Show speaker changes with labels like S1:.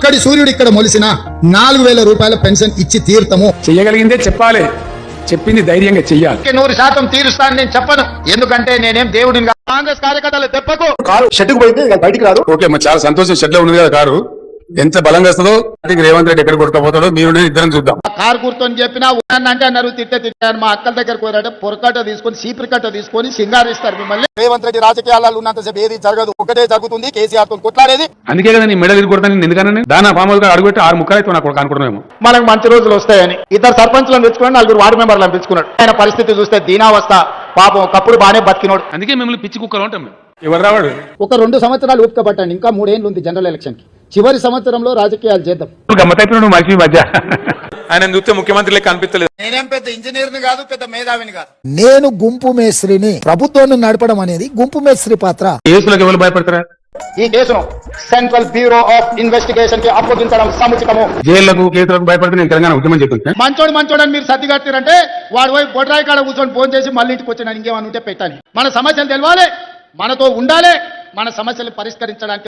S1: అక్కడి సూర్యుడు ఇక్కడ మొలిసిన 4,000 రూపాయల పెన్షన్ ఇచ్చి తీర్థము.
S2: చెయ్యగలిగిందే చెప్పాలి, చెప్పింది ధైర్యంగా చెయ్యాలి.
S1: 100% తీరుస్తాను నేను చెప్పను, ఎందుకంటే నేనేం దేవుడిని కాదు. కాంగ్రెస్ కార్యకర్తలు తెప్పకు.
S3: కారు షెడ్డుకు పోయింది బయటికి రాదు.
S2: ఓకే, మరి చాలా సంతోషం. షెడ్ లో ఉంది కదా కారు, ఎంత బలంగా వస్తుందో రేవంత్ రెడ్డి ఎక్కడ కొట్టుకపోతాడో మీరు నేను ఇద్దరం చూద్దాం.
S1: కారు కూర్చొని చెప్పినా అంటే అన్నారు, తిట్టారు. మా అక్కల దగ్గరకు పోయారంటే పొరకట్ట తీసుకొని సీపురికట్ట తీసుకొని సింగారిస్తారు మిమ్మల్ని. రేవంత్ రెడ్డి రాజకీయాలలో ఉన్నంతసేపు ఏది జరగదు, ఒకటే జరుగుతుంది, కేసీఆర్ తో కొట్లాడేది.
S2: అందుకే కదా నీ మెడలు ఇరుకొడతాను ఎందుకన్నా దానా ఫామ్ అడుగుపెట్టి 6 ముక్కలు అయితే నాకు అనుకుంటున్నాము.
S1: మనకు మంచి రోజులు వస్తాయని 2 సర్పంచ్లను పెంచుకున్నాడు, 4 వార్డు మెంబర్లను పెంచుకున్నాడు. ఆయన పరిస్థితి చూస్తే దీనావస్థ. పాపం ఒకప్పుడు బాగానే బతికినోడు.
S2: అందుకే మిమ్మల్ని పిచ్చి కుక్కలు ఉంటాం. ఎవరు రావాడు?
S1: ఒక 2 సంవత్సరాలు ఊపుకబట్టండి, ఇంకా 3 ఏళ్ళు ఉంది జనరల్ ఎలక్షన్ కి. చివరి సంవత్సరంలో రాజకీయాలు చేద్దాం.
S2: గమ్మతైపోయినాడు మనిషి మధ్య.
S4: ఆయన చూస్తే ముఖ్యమంత్రి లెక్క అనిపించలేదు.
S1: నేనేం పెద్ద ఇంజనీర్ని కాదు, పెద్ద మేధావిని కాదు.
S5: నేను గుంపు మేస్త్రిని. ప్రభుత్వాన్ని నడపడం అనేది గుంపు మేస్త్రి పాత్ర.
S2: కేసులకు ఎవరు భయపడతారా?
S1: ఈ కేసును సెంట్రల్ బ్యూరో ఆఫ్ ఇన్వెస్టిగేషన్ కి అప్పగించడం సముచితము.
S2: జైళ్లకు కేసులకు భయపడితే నేను తెలంగాణ ఉద్యమం చెప్తున్నా.
S1: మంచోడు అని మీరు సర్దిగట్టారంటే వాడు పోయి బొడ్రాయి కాడ కూర్చొని ఫోన్ చేసి మళ్ళీ ఇంటికి వచ్చిన ఇంకేమని ఉంటే పెట్టాలి. మన సమస్యలు తెలవాలి, మనతో ఉండాలి, మన సమస్యలు పరిష్కరించడానికి